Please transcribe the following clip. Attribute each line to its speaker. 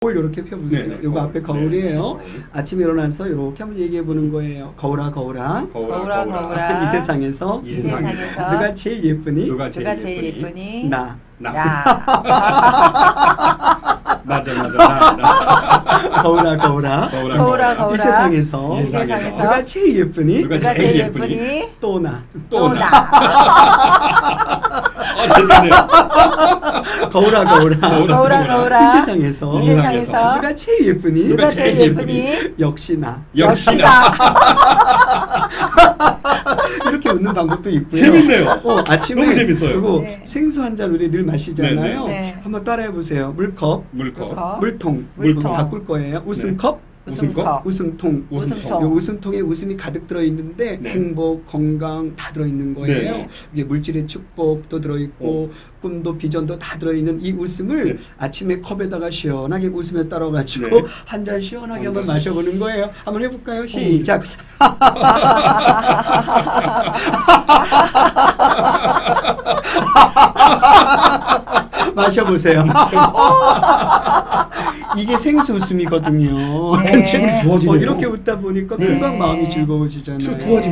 Speaker 1: 거울 이렇게 펴보세요.
Speaker 2: 네,
Speaker 1: 요거
Speaker 2: 거울.
Speaker 1: 앞에 거울이에요.
Speaker 2: 네,
Speaker 1: 아침에 일어나서 이렇게 한번 얘기해 보는 거예요. 거울아 거울아.
Speaker 3: 거울아, 거울아.
Speaker 1: 이 세상에서
Speaker 2: 이 세상에서
Speaker 1: 누가 제일 예쁘니?
Speaker 2: 누가
Speaker 3: 누가
Speaker 2: 제일
Speaker 3: 제일
Speaker 2: 예쁘니?
Speaker 3: 예쁘니?
Speaker 1: 나.
Speaker 3: 나.
Speaker 2: 맞아 나.
Speaker 1: 거울아 거울아.
Speaker 3: 거울아, 거울아.
Speaker 1: 이 세상에서
Speaker 2: 이 세상에서
Speaker 1: 누가 제일 예쁘니?
Speaker 2: 누가
Speaker 3: 누가
Speaker 2: 제일
Speaker 3: 제일
Speaker 2: 예쁘니?
Speaker 3: 예쁘니?
Speaker 1: 또 나.
Speaker 2: 또 나.
Speaker 3: 나.
Speaker 2: 재밌네요.
Speaker 1: 거울아 거울아.
Speaker 3: 거울아, 거울아.
Speaker 1: 이 세상에서
Speaker 3: 이 세상에서
Speaker 1: 누가 제일 예쁘니?
Speaker 3: 누가 제일 예쁘니?
Speaker 1: 역시 나.
Speaker 2: 역시 나.
Speaker 3: 나.
Speaker 1: 이렇게 웃는 방법도 있고요.
Speaker 2: 재밌네요.
Speaker 1: 아침에
Speaker 2: 너무 재밌어요.
Speaker 1: 이거
Speaker 3: 네.
Speaker 1: 생수 한 잔 우리 늘 마시잖아요.
Speaker 3: 네.
Speaker 1: 한번 따라해 보세요. 물컵,
Speaker 2: 물컵.
Speaker 1: 물통,
Speaker 3: 물통.
Speaker 1: 바꿀 거예요. 웃음컵,
Speaker 3: 웃음컵.
Speaker 1: 웃음통.
Speaker 3: 웃음통.
Speaker 1: 요 웃음통에 웃음이 가득 들어 있는데
Speaker 2: 네.
Speaker 1: 행복, 건강 다 들어 있는 거예요.
Speaker 2: 네.
Speaker 1: 이게 물질의 축복도 들어 있고 꿈도 비전도 다 들어 있는 이 웃음을
Speaker 2: 네.
Speaker 1: 아침에 컵에다가 시원하게 웃으며 따라 가지고
Speaker 2: 네.
Speaker 1: 한 잔 시원하게
Speaker 2: 한
Speaker 1: 한번
Speaker 2: 잔.
Speaker 1: 마셔보는 거예요. 한번 해볼까요? 시작. 마셔보세요. 이게 생수 웃음이거든요.
Speaker 3: 네.
Speaker 2: 기분이 좋아지네요.
Speaker 1: 이렇게 웃다 보니까 금방
Speaker 3: 네.
Speaker 1: 마음이 즐거워지잖아요.
Speaker 2: 좋아지